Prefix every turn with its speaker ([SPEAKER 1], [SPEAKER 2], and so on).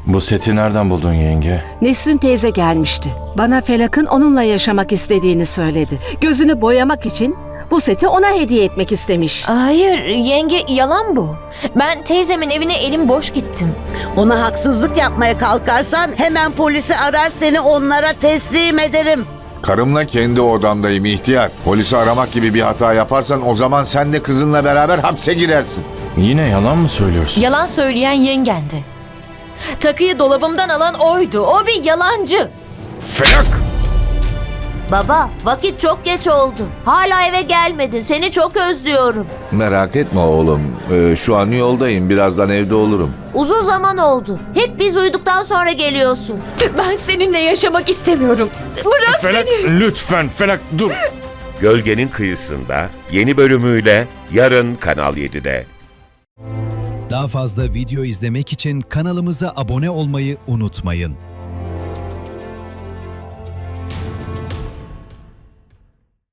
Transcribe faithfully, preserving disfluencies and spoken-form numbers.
[SPEAKER 1] Bu seti nereden buldun yenge?
[SPEAKER 2] Nesrin teyze gelmişti. Bana Felak'ın onunla yaşamak istediğini söyledi. Gözünü boyamak için bu seti ona hediye etmek istemiş.
[SPEAKER 3] Hayır yenge, yalan bu. Ben teyzemin evine elim boş gittim.
[SPEAKER 4] Ona haksızlık yapmaya kalkarsan hemen polisi arar, seni onlara teslim ederim.
[SPEAKER 5] Karımla kendi odamdayım ihtiyar. Polisi aramak gibi bir hata yaparsan o zaman sen de kızınla beraber hapse girersin.
[SPEAKER 1] Yine yalan mı söylüyorsun?
[SPEAKER 3] Yalan söyleyen yengendi. Takıyı dolabımdan alan oydu. O bir yalancı.
[SPEAKER 5] Felak!
[SPEAKER 6] Baba, vakit çok geç oldu. Hala eve gelmedin. Seni çok özlüyorum.
[SPEAKER 5] Merak etme oğlum. Ee, şu an yoldayım. Birazdan evde olurum.
[SPEAKER 6] Uzun zaman oldu. Hep biz uyuduktan sonra geliyorsun.
[SPEAKER 3] Ben seninle yaşamak istemiyorum. Bırak
[SPEAKER 1] Felak
[SPEAKER 3] beni.
[SPEAKER 1] lütfen Felak dur.
[SPEAKER 7] Gölgenin Kıyısında yeni bölümüyle yarın Kanal yedide.
[SPEAKER 8] Daha fazla video izlemek için kanalımıza abone olmayı unutmayın.